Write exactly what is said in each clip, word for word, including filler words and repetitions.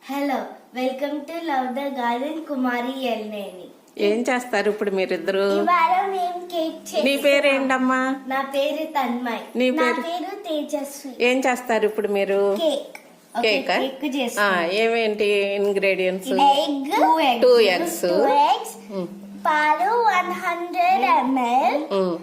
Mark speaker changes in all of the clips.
Speaker 1: Hello, welcome to love the garden. Kumari Elneni.
Speaker 2: ఏం చేస్తారు ఇప్పుడు మీరిద్దరు?
Speaker 1: ఇవాళ మేము కేక్ చేస్తాం.
Speaker 2: నీ పేరేంటమ్మా?
Speaker 1: నా పేరు తన్మయ్.
Speaker 2: నీ
Speaker 1: నా
Speaker 2: పేరు?
Speaker 1: పేరు తేజస్వి.
Speaker 2: ఏం చేస్తారు ఇప్పుడు మీరు?
Speaker 1: కేక్.
Speaker 2: కేక్
Speaker 1: కేక్ చేస్తాం.
Speaker 2: ఏమేంటి ingredients?
Speaker 1: Egg,
Speaker 2: two eggs,
Speaker 1: two eggs, పాలు వన్ హండ్రెడ్ ఎంఎల్,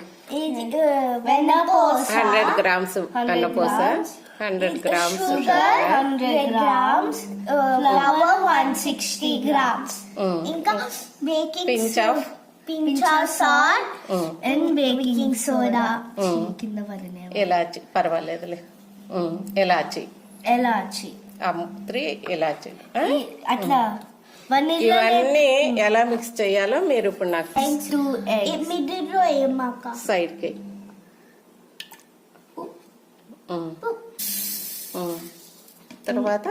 Speaker 1: వెన్నపూస
Speaker 2: హండ్రెడ్ గ్రామ్స్ వెన్నపూస, hundred grams
Speaker 1: sugar hundred grams, flour one sixty grams, ఇంకా baking
Speaker 2: pinch of
Speaker 1: pinch of salt and baking soda. కింద పడినాయి.
Speaker 2: ఇలాచి పర్వాలేదులే. ఇలాచి
Speaker 1: ఎలాచి
Speaker 2: త్రీ ఇలాచి.
Speaker 1: అట్లా
Speaker 2: ఇవన్నీ ఎలా మిక్స్ చేయాలో మీరు ఇప్పుడు నాకు
Speaker 1: మిడిల్లో ఏమాక
Speaker 2: సైడ్ కి తర్వాత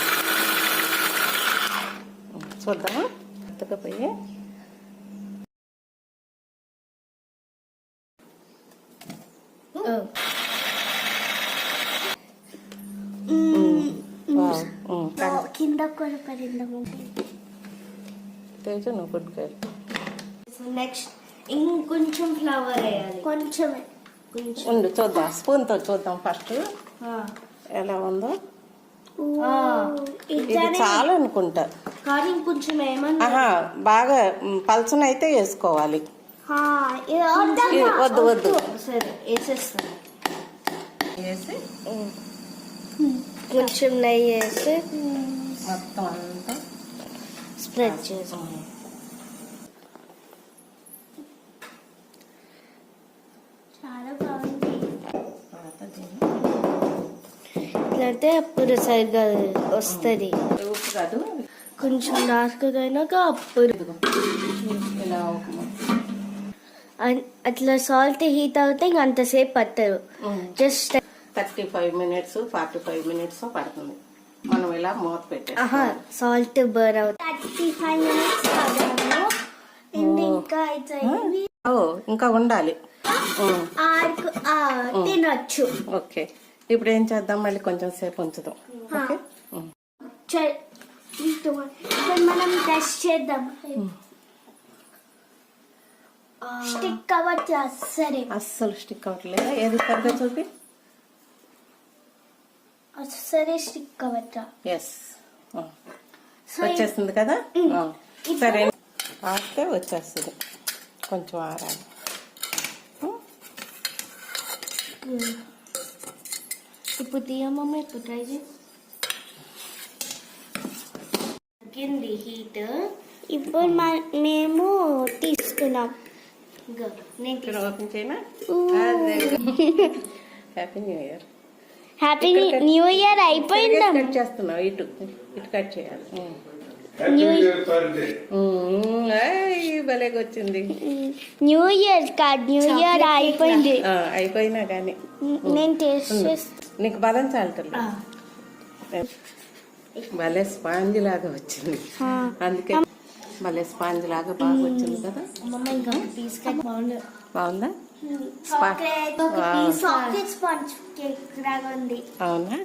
Speaker 2: చూద్దామా ఎత్తకపోయి.
Speaker 1: కింద కూడా పడిందాము.
Speaker 2: తేజు నువ్వు గుడ్ గర్ల్.
Speaker 1: నెక్స్ట్ ఇంకొంచెం ఫ్లవర్ వేయాలి. కొంచెమే కొంచెం
Speaker 2: ఉండు చూద్దాం, స్పూన్ తో చూద్దాం ఫస్ట్ ఎలా ఉందో. ఇది చాలా అనుకుంటా,
Speaker 1: కానీ ఇంకొంచెం ఏమన్నా
Speaker 2: ఆహా బాగా పల్చన అయితే వేసుకోవాలి. వద్దు వద్దు
Speaker 1: సరే వేసేస్తాను.
Speaker 2: వేసి
Speaker 1: కొంచెం నెయ్యి వేసి
Speaker 2: మొత్తం అంతా
Speaker 1: స్ప్రెడ్ చేసి చాలా బాగుంది. ఇట్లయితే అప్పుడు సరిగ్గా వస్తుంది.
Speaker 2: ఉప్పు కాదు,
Speaker 1: కొంచెం డార్క్ అయినాక అప్పుడు
Speaker 2: ఇలా
Speaker 1: అట్లా సాల్ట్ హీట్ అవుతే ఇంక అంతసేపు పట్టరు. Just
Speaker 2: thirty five minutes forty five minutes పడుతుంది. మనం ఇలా మూత పెట్టే
Speaker 1: సాల్ట్ బర్న్ అవుతుంది. థర్టీ ఫైవ్ మినిట్స్ ఇంకా
Speaker 2: ఓ ఇంకా ఉండాలి.
Speaker 1: తినొచ్చు.
Speaker 2: ఓకే, ఇప్పుడు ఏం చేద్దాం, మళ్ళీ కొంచెం సేపు ఉంచుదాం. ఓకే,
Speaker 1: మనం టెస్ట్ చేద్దాం. స్టిక్ అవ్వచ్చు సరే.
Speaker 2: అస్సలు స్టిక్ అవ్వట్లేదు. ఏది సరిగ్గా చూపి.
Speaker 1: సరే స్టిక్ అవ్వచ్చా?
Speaker 2: ఎస్, వచ్చేస్తుంది కదా. సరే ఆడితే వచ్చేస్తుంది. కొంచెం ఆరాలి.
Speaker 1: ఇప్పుడు తీయమమ్మ, ఇప్పుడు ట్రై చేయి. తగ్గింది హీట్. ఇప్పుడు మేము తీసుకున్నాం.
Speaker 2: నేను ఓపెన్ చేయనా? Happy new year.
Speaker 1: Happy new year అయిపోయిందా?
Speaker 2: కట్ చేస్తున్నావు, ఇటు ఇటు కట్ చేయాలి. భలేగా వచ్చింది.
Speaker 1: New year card. New year అయిపోయింది.
Speaker 2: అయిపోయినా కానీ
Speaker 1: నేను టేస్ట్ చేస్తా.
Speaker 2: నీకు బలం చాలటం భలే స్పాంజ్ లాగా వచ్చింది. అందుకే భలే స్పాంజ్ లాగా బాగా వచ్చింది కదా. బాగుందా?
Speaker 1: చాక్లెట్ స్పాంజ్ కేక్ లాగా ఉంది.
Speaker 2: అవునా?